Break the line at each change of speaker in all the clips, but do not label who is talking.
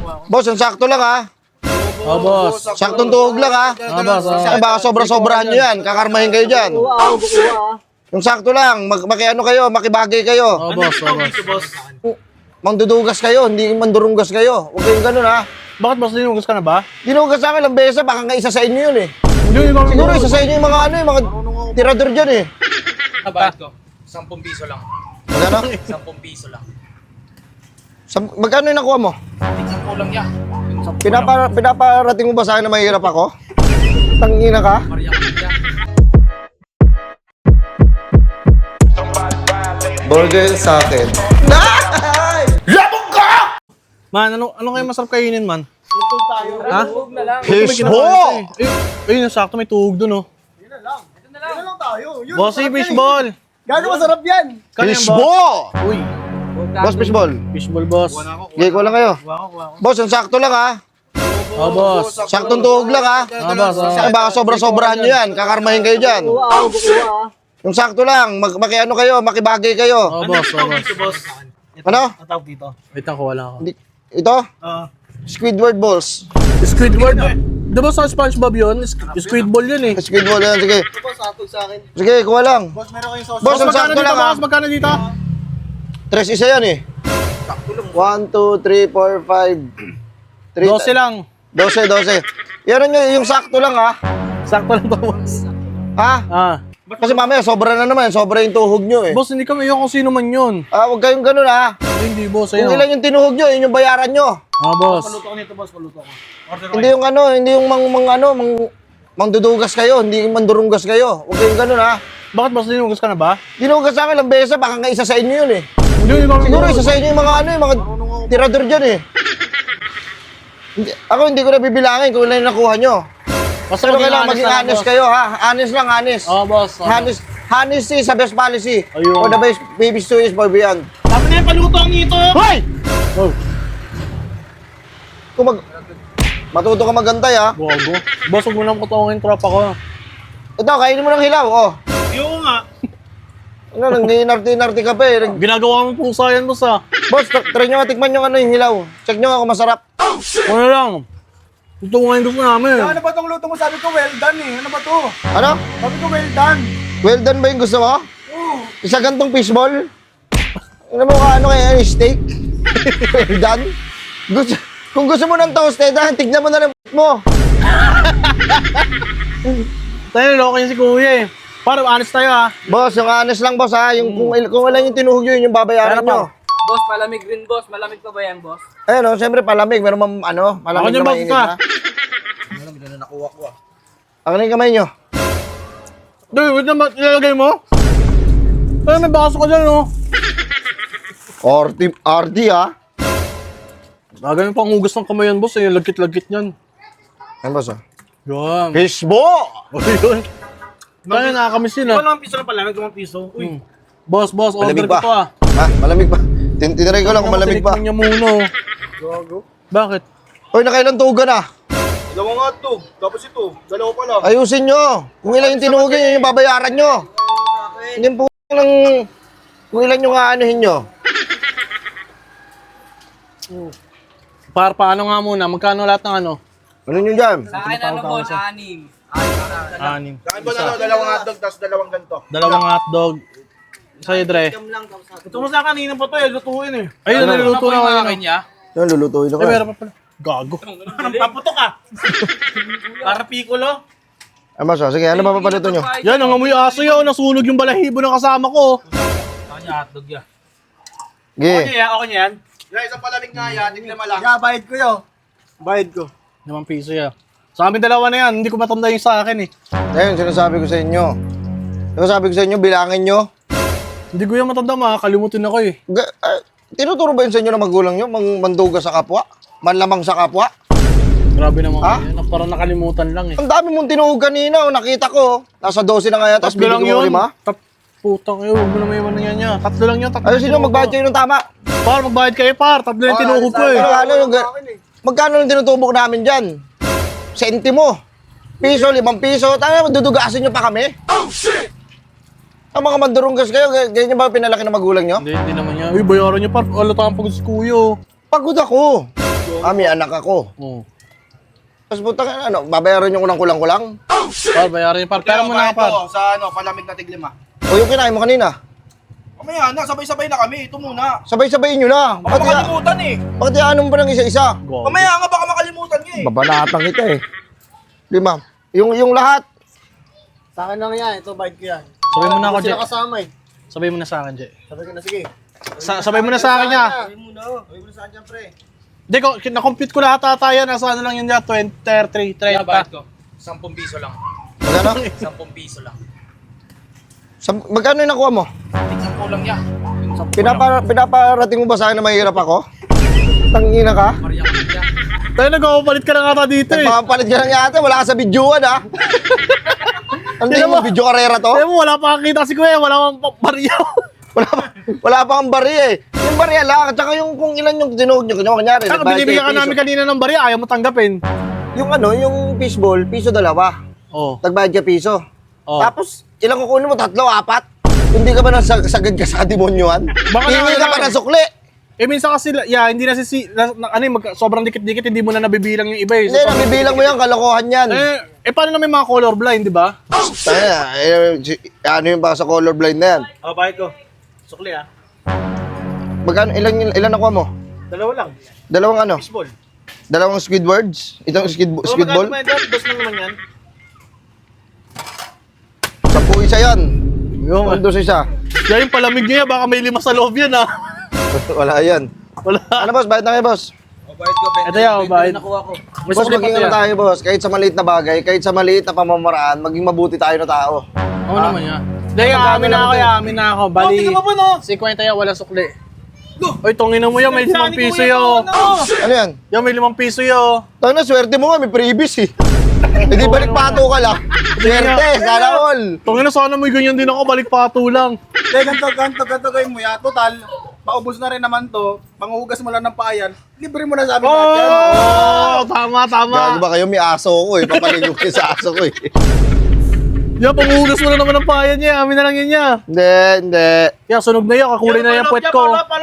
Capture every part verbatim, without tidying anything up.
Boss, ang sakto lang ha.
Oh, boss.
Saktong tuhog lang ha.
Oh, boss. Oh.
Ay, baka sobra-sobrahan nyo yan. Kakarmahin kayo dyan. Yung sakto lang, mag makiano kayo, makibagay kayo.
Oh, boss. Oh, boss.
Mangdudugas kayo, hindi mandurunggas kayo. Huwag kayong ganun ha.
Bakit boss, dinugas ka na ba?
Dinugas sa akin lang beses, baka nga isa sa inyo yun eh.
Hindi, ikaw.
Siguro isa sa inyo yung mga ano, yung mga tirador dyan eh.
Nabayad ko. Sampung piso lang.
Magkano?
Sampung piso lang.
Sa, magkano yung nakuha mo?
Tignan ko lang yan.
Pinapa, pinaparating mo ba sa akin na mahirap ako? Tangina ka?
Maria Maria.
Burger sa akin. Labog ka!
Man, ano, ano kayo masarap kainin, man? Ha?
Fishball!
Eh, ayun, sakto may tuhog dun, oh.
Yun na lang tayo. Yun,
Bossy
masarap yan
fishball!
eh. Gano'ng masarap yan?
Kano yan, boss?
Fishball!
Uy,
Boss, fishball.
fishball, boss.
Gay ko lang kayo. Boss, ang sakto lang ha.
Oh, boss.
Saktong tuhog lang ha.
Oh, boss. Oh.
Ay, baka sobra-sobrahan nyo yan. Kakarmahin kayo dyan. Yung sakto lang, mag makiano kayo, makibagay kayo.
Oh, boss. Oh, boss.
Ano?
Tatawag dito.
Wait lang, kuha lang ako.
Hindi- Ito?
Oo.
Squidward balls.
Squidward? Di ba sa SpongeBob yun? Sk- Squidball yun eh.
Squidward yan, sige.
Ito po, sakto sa akin.
Sige, kuha lang.
Boss, meron kayong sauce.
Boss, ang
magkano
sakto
dito,
lang ha.
boss? Magkano dito?
Tres isa yan eh. One, two, three, four, five. Three,
Dose lang.
Dose, dose. Yan nyo, yung sakto lang ha.
Sakto lang to, boss.
Ha?
Ah.
Kasi mamaya, sobra na naman. Sobra yung tuhog nyo eh.
Boss, hindi kami yung kung sino man yun.
Ah, huwag kayong ganun ha.
Hindi, boss.
Kung
Ayun.
ilan yung tinuhog nyo, yun yung bayaran nyo.
Ah, boss.
Paluto ko nito, boss. Paluto ko. Order
Hindi yung ano, hindi yung mang, mang ano, mang, mangdudugas kayo, hindi yung mandurunggas kayo. Huwag kayong ganun ha.
Bakit, boss? Dinugas ka na ba?
Dinugas sa akin lang beses, baka nga isa sa inyo yun eh.
Hindi, ikaw.
Siguro isa sa inyo yung mga ano, yung mga tirador dyan eh. Hindi, ako hindi ko na bibilangin kung ilan yung nakuha nyo.
Basta
Pero
maging
kailangan
honest
maging
na lang,
honest
boss.
kayo ha. Honest lang, honest.
Oh, boss. Oh.
Honest, honesty is the best policy.
Ayun.
For the best baby stories for beyond.
Tama na yung paluto ang nito.
Hoy!
Oh,
Kung mag... Matuto ka magantay ha.
bobo. Boss, huwag mo nang kutungin tropa ko.
Ito, kainin mo ng hilaw, oh.
Yung nga.
Ano, nang-inarti-inarti ka pa eh. Nag-
Ginagawa mo pusa yan, boss, ah.
Boss, t- try nyo nga tikman yung ano yung hilaw. Check nyo nga kung masarap.
Ano lang. Tutungin gusto namin.
Ano ba itong luto mo? Sabi ko, well done eh. Ano ba to?
Ano?
Sabi ko, well done.
Well done ba yung gusto mo?
Oo.
Isa gantong fishball? Ano mo ka, ano kaya, steak? Well done? Gusto, kung gusto mo ng toasted, ha, tignan mo na ng mo.
Tayo, loko yun si kuya eh. Para honest tayo, ah.
Boss, yung honest lang, boss, ha. Yung, kung, il- kung wala yung tinuhog nyo, yun yung babayaran
Kaya
nyo.
Boss, malamig rin boss. Malamig pa ba yan, boss?
Ayun, no, siyempre palamig. Meron mam, ano, malamig
Ako dyan,
na
boss,
mainit
ka.
na.
Malamig na nakuha ko ah.
Ako na yung kamay nyo.
Dude, wait naman, ilalagay mo? Ay, may baso ka dyan, oh.
R D, R D, ha.
Gagawin pang hugas ng kamay yan, boss, eh. Lagkit-lagkit yan.
Ayun, boss, ha.
Yan.
Fishball!
O, yun. Tayo, nakakamiss yun, ah.
Walang piso lang pala. Nagawang piso. Uy.
Hmm. Boss, boss, order
Malamig
ko
pa.
to, ah.
Ha? Malamig pa. Tin Tinaray ko lang kung malamig pa.
Tinikman niya muna, oh.
Gago.
Bakit?
Hoy, nakailang tugan na.
Dalawa nga to. Tapos ito. Dalawa pa lang.
Ayusin nyo. Kung ilan yung tinugin, yun yung babayaran nyo. Hindi po lang kung ilan yung aanuhin nyo.
Para paano nga muna? Magkano lahat ng ano?
Ano nyo dyan?
Sa akin ano, boss? Anim.
Anim.
Kain ba na dalawang hotdog tapos dalawang ganito?
Dalawang hotdog. Sa'yo, Dre.
Ito mo sa kanina pa to eh. Lutuin eh.
Ayun, niluluto na ako.
akin niya?
Yan, lulutuin ako.
Ay, meron pa pala. Gago.
Paputok ka. Para piccolo.
Ay, mas, sige, ano ba papalito nyo?
Yan, ang amoy aso yun. Nasunog yung balahibo ng kasama ko.
Kanya hotdog yan.
Sige.
yan? Okay yan? Yeah, isang palamig nga yan. Tignan mo lang. Yeah, bayad ko yun. Bayad ko.
Limang piso yan. Sa amin dalawa na yan. Hindi ko matanda yung sa akin eh.
Ayun, sinasabi ko sa inyo. Sinasabi ko sa inyo, bilangin nyo.
Hindi ko yan matanda, makakalimutin ako eh.
Ga- ah, tinuturo ba yun sa inyo ng magulang nyo? Mang manduga sa kapwa? Manlamang sa kapwa?
Grabe naman
Ha?
yan. Parang nakalimutan lang eh.
Ang dami mong tinuhog kanina, oh, nakita ko. Nasa dose na nga yata, tapos
Tatlo lang
binigyan mo
yun.
lima.
Tat putang kayo, huwag mo na may iwan yan niya. Tatlo lang yun, tatlo.
Ayusin nyo, magbayad kayo ng tama.
Par, magbayad kayo par. Tatlo yung tinuhog ko eh.
Ano, ano, yung, magkano yung tinutubok namin dyan? Sentimo. Piso, limang piso. Tanga, dudugasin nyo pa kami? Oh, shit! Ang mga mandurunggas kayo, g- ganyan ba pinalaki ng magulang nyo?
Hindi, hindi naman yan. Uy, bayaran niyo par. Alata ang pagod si kuya.
Pagod ako. Ah, may anak ako.
Oo.
Tapos putang ano, babayaran nyo ko ng kulang-kulang?
Par, bayarin par. Pero mo na par.
Ito, sa ano, palamig na tiglima.
O yung kinain mo kanina?
Mamaya na, sabay-sabay na kami. Ito muna.
Sabay-sabayin nyo na.
Baka
Bakit ya,
makalimutan eh.
bakit yaanong pa ng isa-isa?
Mamaya nga, baka makalimutan niya eh.
Babanatang kita eh. Lima. Yung, yung lahat.
Sa akin lang yan, ito bike ko yan.
Sabay mo na ako,
Hindi
Jay.
sila kasama eh.
Sabay mo na sa akin, Jay.
Sabi ko na, sige.
Sa sabay mo na sa akin niya.
Sabi mo na, sabi mo na sa akin dyan, pre.
Hindi, ko, na-compute ko lahat ata yan. Nasa ano lang yun dyan, twenty, thirty,
Kaya bayad
thirty.
ko. Sampung piso lang.
Magkano?
Sampung piso lang.
Sa, magkano yung nakuha mo?
Isang kulang yan. Yung sampung
Pinapa, pinaparating mo ba sa akin na mahirap ako? Tangina ka?
Maria ko niya.
Tayo nagpapalit ka na nga ata dito eh.
Nagpapalit ka lang yata, wala ka sa videoan ha? Ano tingin mo, video karera to?
Tayo mo, wala pa kakita si Kuya. Wala pang pa- bariyaw.
Wala pa, wala pa kang bari eh. Yung bari lang, at saka yung kung ilan yung tinuhog nyo, kanya kanyari.
Saka
nagbayad
binibigyan ka
kayo
namin
piso.
kanina ng bariya. Ayaw mo tanggapin.
Yung ano, yung fishball, piso dalawa.
Oo.
Nagbayad ka piso.
Oo.
Tapos, ilang kukunin mo? Tatlo, apat? Hindi ka ba nasagad ka sa demonyoan?
Baka
Hingi
na-
ka pa ng sukli.
Eh minsan kasi, yeah, hindi na si, na, na, ano, eh, mag, sobrang dikit-dikit, hindi mo na nabibilang yung iba eh.
Hindi, nabibilang mo yan, kalokohan yan.
Eh, eh paano na may mga colorblind, di ba?
Taya, eh, si- ano yung ba sa colorblind na yan?
Oh, bike ko. Sukli ah.
Magkano, ilan, ilan nakuha mo?
Dalawa lang.
Dalawang ano?
Baseball.
Dalawang Squidwards? Itong squid, squidball?
Magkano ba yan? Dos lang naman yan.
Sampu isa yan.
Yung,
Yung dos isa.
yan yung palamig niya, baka may lima sa loob yan ah.
Wala yan.
Wala.
Ano boss, bayad na kayo boss?
O, bayad ko,
Ito yan, oh, bayad.
Nakuha ko.
May
Boss,
sukli pa
maging
to
ano
yan.
tayo boss, kahit sa maliit na bagay, kahit sa maliit na pamamaraan, maging mabuti tayo na tao.
Oo naman yan. Dahil
Magkano
amin na
lang
ako,
to?
amin na ako. Bali,
tingnan mo pa, no?
fifty yan, wala sukli. Oy, tungin mo yan, may limang piso yo.
Ano yan?
Yan, may limang piso yo.
Tayo na, swerte mo nga, may previous eh. Hindi balik pato ka lang. Swerte, sana all.
Tungin na sana may ganyan din ako, balik pato lang.
Hindi, ganito, ganito, ganito gawin mo ya. Total, paubos na rin naman to. Panghugas mo lang ng paayan. Libre mo na sa amin lahat yan.
Oh, tama, tama.
Gago ba kayo, may aso ko eh. Papaligo kayo sa aso ko eh.
Yan, panghugas mo na naman ang payan niya, amin na lang yan niya.
Hindi, hindi.
Yan, sunog na yan, kakulay na yan puwet ko.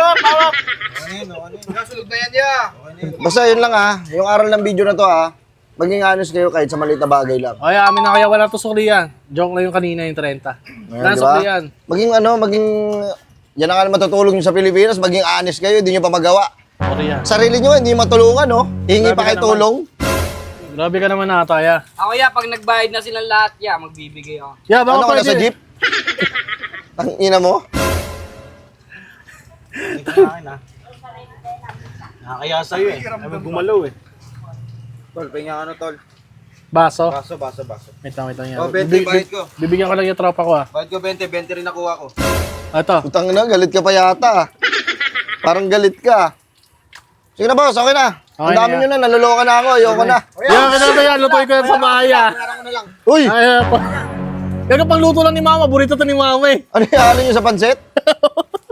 Nasulog na yan ya.
Basta yun lang ah. Yung aral ng video na to ah. Maging honest kayo kahit sa maliit na bagay lang.
Ay, amin na kaya wala to sukli yan. Joke lang yung kanina yung thirty. Wala
Ayan, di ba?
sukli yan.
Maging ano, maging... Yan ang alam matutulong nyo sa Pilipinas. Maging honest kayo, hindi nyo pa magawa.
Sorry yan.
Sarili nyo, hindi matulungan, no? Hingi
Grabe
pa
ka
kayo
naman.
tulong.
Grabe ka naman ata, ya.
Ako ya, pag nagbayad na silang lahat ya, magbibigay ako.
Ya, baka
Ano ka na
pwede.
sa jeep? Ang ina mo?
Nakakaya sa'yo eh. Ay, gumalaw eh.
Tol, pahinga ano tol.
Baso.
Baso, baso, baso.
Wait lang, wait lang yan.
Oh, twenty,
Bibig-
bayad ko.
Bibigyan ko lang yung tropa ko ah.
Bayad ko twenty, twenty rin nakuha ko.
Ito.
Putang na, galit ka pa yata. ah. Parang galit ka. Sige na boss, okay na. Ang
Okay
dami
na.
nyo na, naluloka na ako, ayoko na.
Yan, kinata yan. Lutoy ko yan sa bahay ah.
Uy!
Ay, ah, pa. Yan ang pangluto lang ni mama. Burrito to ni mama eh.
Ano yung halo nyo sa pansit?